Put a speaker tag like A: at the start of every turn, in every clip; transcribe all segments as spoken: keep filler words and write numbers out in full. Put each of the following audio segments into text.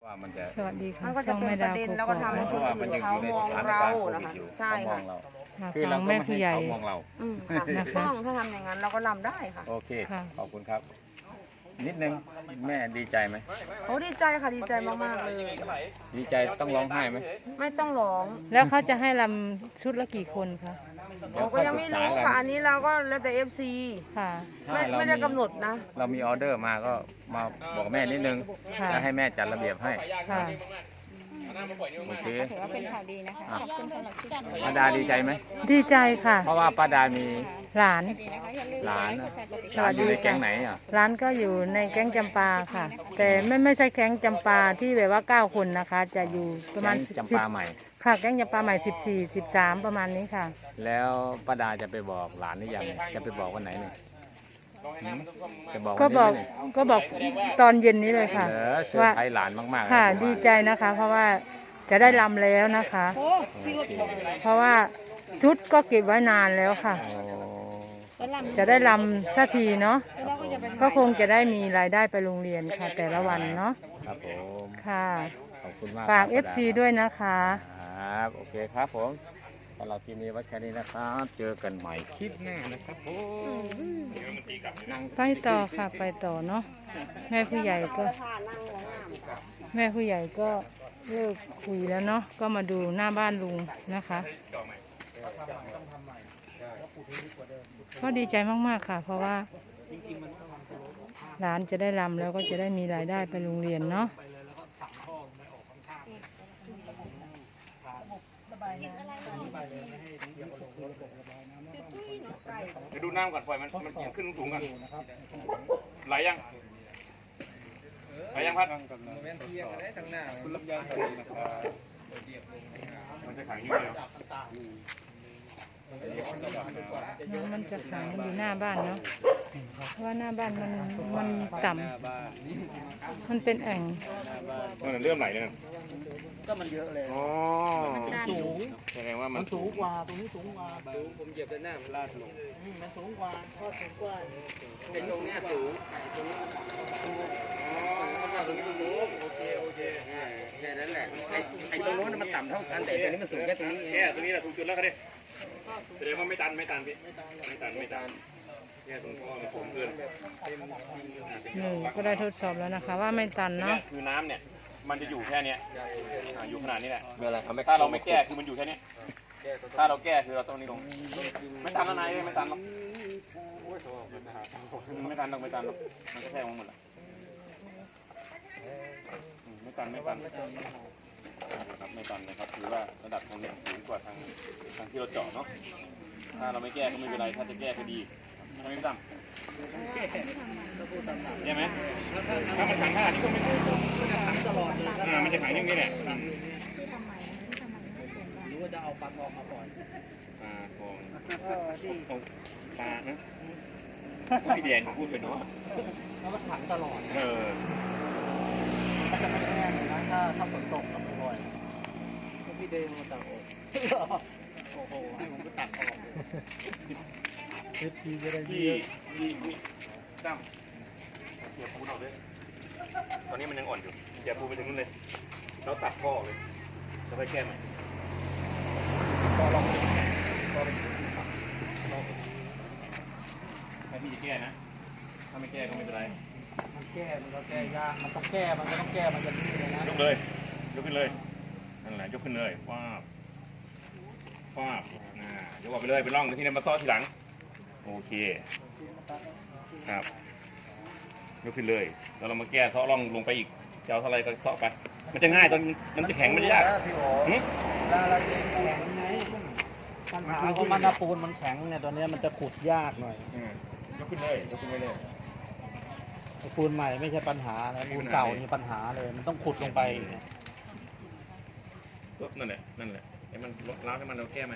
A: ว่ามันจะ
B: สวัสดีค่ะ
C: มันก็จะเป็นประเด็นแล้วก็ทำให้คนอื่นเขามองเรานะคะใช่ค่ะ
A: คือเราก็ไม่ให้เขามองเรา
C: อืมค่ะถูกต้องถ้าทำอย่างนั้นเราก็รำได้ค่ะ
A: โอเคขอบคุณครับ นิดนึงแม่ดีใจไหม
C: โอ้ดีใจค่ะดีใจมากๆเลย
A: ดีใจต้องร้องไห้ไหม
C: ไม่ต้องร้อง
B: แล้วเขาจะให้ลำชุดละกี่คนคะ
A: เดี๋ยว
C: เราก็
A: ค่อย
C: ยัง
A: ปรึ
C: ไม่
A: กษา
C: รู้
A: กัน
C: ค่ะอันนี้เราก็แล้วแต่เอฟซี
B: ค่ะ
C: ไม่ไม่ได้กำหนดนะ
A: เรามีออเดอร์มาก็มาบอกแม่นิดนึง
B: ค่ะ
A: แล้วให้แม่จัดระเบียบให้
B: ค่ะ
A: โอเค
D: ถือว่าเป็นข่าวดีนะคะขอบคุณสำหรับที่
A: ป้าดาดีใจไหม
B: ดีใจค่ะ
A: เพราะว่าป้าดามี
B: หลาน
D: ดีนะคะอย่าลืม
A: หลาน
D: กดแชร์กดติด
B: ส
D: ตาม
B: วัสดี
A: อยู่ใน
B: ค่ะ
A: แก๊งไหนอ่ะ
B: ร้านก็อยู่ในแก๊งจำปาค่ะ แต่ไม่ไม่ใช่แก๊งจำปาที่แบบว่าเก้าคนนะคะ จะอยู่ประมาณ
A: แก๊ง
B: สิบ
A: จำปาใหม่
B: ค่ะแก๊งจำปาใหม่สิบสี่สิบสามประมาณนี้ค่ะ
A: แล้วป้าดาจะไปบอกหลานหรือยังจะไปบอกวันไหนเนี่ยหืมจะบอก
B: ก็
A: วัน
B: บ
A: นี้
B: อก
A: ไหมเนี่ย
B: ก็บอกตอนเย็นนี้เลยค่ะ
A: เหรอเซอร์ไพรส์หลานมากๆ
B: ค่ะ
A: นะผม
B: ดี
A: ว่า
B: ใจนะคะ เพราะว่าจะได้ลำแล้วนะคะ
A: โอเค
B: เพราะว่าชุดก็เก็บไว้นานแล้วค่ะ
A: โอ้
B: จะได้ลำสักทีเนาะก็คงจะได้มีรายได้ไปโรงเรียนค่ะ แต่ละวันเนาะ
A: ครับผม
B: ค่ะ
A: ขอบคุณมาก
B: ฝาก
A: ครับ
B: เอฟ ซี ด้วยนะคะ
A: ครับโอเคครับผมสำหรับทีมนี้ไว้แค่นี้นะครับ เจอกันใหม่คลิปหน้านะครับผมนั่ง
B: ไปต่อค่ะไปต่อเนาะแม่ผู้ใหญ่ก็ แม่ผู้ใหญ่ก็เลิกคุยแล้วเนาะก็มาดูหน้าบ้านลุงนะคะ ก็ดีใจมากๆค่ะ เพราะว่าหลานจะได้รำแล้วก็จะได้มีรายได้ไปโรงเรียนเนาะ
E: เดี๋ยวดูน้ำก่อนปล่อยมันมันขึ้นสูงกันไหลยังไหลยังพัดมันจะขังอยู่เลย
B: น้ำมันจะขังอยู่หน้าบ้านเนาะเพราะว่าหน้าบ้านมันมันต่ำมันเป็นแอ่ง
E: มันเริ่มไหลเลยนะ
F: ก็มันเยอะเลย
E: อ๋อ
F: สูง
E: แสดงว่ามั
F: มัน นสูงกว่า ตรงนี้สูงกว่า
E: สูงผมเหยียบด้านหน้ามันลาดลง
F: อืมมันสูงกว่าก็สูงกว่าไอ้ตรงเนี้ยสูงไอ้ตรงนี้มันสูง
E: อ๋อมันตรงนี้มันสูงโอเคโอเค
F: แค่นั้นแหละ ไอ้ไอ้ตรงโน้นมันต่ำเท่ากันแต่ไอ้ตรงนี้มันสูงแค่ตรงนี้เอง
E: แค่ตรงนี้แหละถูกจุดแล้วก็ได้แสดงว่าไม่ตันไม่ตันพี่ไม่ตันไม่ตันแค่ตรงท่อมันสูงเกิน
B: หนึ่งก็ได้ทดสอบแล้วนะคะ ว่าไม่ตัน
E: เนี่ย
B: เนาะ
E: คือน้ำเนี่ยมันจะอยู่แค่เนี้ยอ่าอยู่ขนาดนี้แหละ
F: เวลาทำไม่
E: ถ้าเราไม่แก้คือมันอยู่แค่เนี้ยถ้าเราแก้คือเราต้องนี่ลงไม่ตันแล้วนายไม่ตันหรอกไม่ตันหรอกไม่ตันหรอกมันก็แทงมาหมดแหละอืมไม่ตันไม่ตันครับไม่ตันนะครับถือว่าระดับทางนี้สูงกว่าทางทางที่เราเจาะเนาะถ้าเราไม่แก้ก็ไม่เป็นไรถ้าจะแก้ก็ดีทำไมไม่ตั้มใช่ไหมถ้ามันขังขนาดนี้ก็ไม่ถูก
F: ขังตลอดเลย
E: อ่ามันจะขังอย่างนี้แหละ
F: หรือว่าจะเอาปลาทองมาปล่อย
E: ปลาทองเอาปลานะพี่แดนพูดไปเนาะ
F: แล้วมันขังตลอด
E: เออ
F: มันจะไม่แห้งเลยนะถ้าถ้าฝนตกกับบ่อยๆก็พี่เดงมาตักออกโอ้โหให้ผมไปตักออกเอฟซีจะได้
E: พี่พี่พี่ตั้มเสียปูนออกเลยตอนนี้มันยังอ่อนอยู่เสียปูไปถึงนู้นเลยแล้วตัดข้อเลยจะไปแก้ใหม่
F: ก็ลองก็
E: ถ้าพี่จะแก้นะถ้าไม่แก้ก็ไม่เป็นไร
F: มันแก้มันก็แก้ยากมันต้องแก้มันก็ต้องแก้มันจะนี่เลยนะ
E: ยกเลยยกขึ้นเลยนั่นแหละยกขึ้นเลยฟาบฟาบอ่ายกออกไปเลยไปล่องที่นี่มาซ้อทีหลังโอเคครับยกขึ้นเลยแล้วเรามาแก้ซ้อล่องลงไปอีกจะเอาเท่าไรก็ซ้อไปมันจะง่ายตอนมันจะแข็งมันจะยาก
F: พี่โอ๋
E: หึ
F: ลาลาเจนแข็งไงปัญหาของมันนะปูนมันแข็งเนี่ยตอนนี้มันจะขุดยากหน่อย
E: อืมยกขึ้นเลยยกขึ้นไปเลย
F: ปูนใหม่ไม่ใช่ปัญหานะปูนเก่านี่ปัญหาเลย มันต้องขุดลงไปเนี่ย
E: นั่นแหละนั่นแหละให้มันล้างให้มันเราแก้ไหม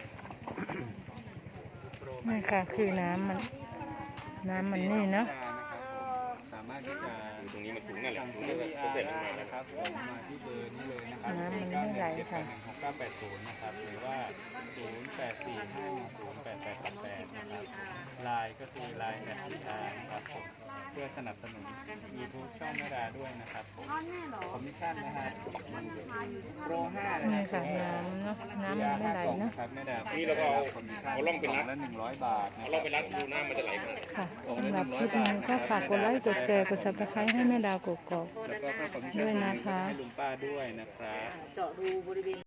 B: นี่ค่ะคือน้ำมันน้ำมันนี่เนาะ
A: สามารถที่จะ
E: อยู่ตรงนี้มันสูงนั่นแหละ
F: สั่ง
E: สูง
F: ซื้อ
E: นั่น
F: วี
E: แหละ
F: อา
E: เสร็จ
F: ร์
E: ลง
F: ได้
E: มา
F: นะครับส่งมาที่เบอร์นี้เลยนะครับ
B: น้ำมันไม่ไหลค่ะ
F: หกเก้าแปดศูนย์นะครับหรือว่าศูนย์แปดสี่ห้าหนึ่งศูนย์แปดแปดแปดแปดนะครับไลน์ก็คือไลน์แอดวีอาร์นะครับผมเพื่อสนับสนุน YouTube ช่องแม่ดาด้วยนะครับผมคอมมิชชั่นนะฮะโปรห้านะ
B: นี่
F: ครั
B: ค่ะน้ำเนาะน้ำมันไม่ไหลเนาะ
F: ครับแม่ดา
E: นี่เราก็เอาเอาล่องเป็นรัด
F: ละหนึ่งร้อยบาท
E: เอาล่องเป็นรัดดูน้ำมันจะไหลมา
B: ค่ะสำหรับคลิปนี้ก็ฝากกดไลค์กดแชร์กดซับสไครต์ให้แม่ดาวกกอก
F: แล้วก็ค่าคอมมิชชั่น
B: ด้วยนะคะ
F: ให้ลุงป้าด้วยนะครับ
C: เจาะรูบริเวณ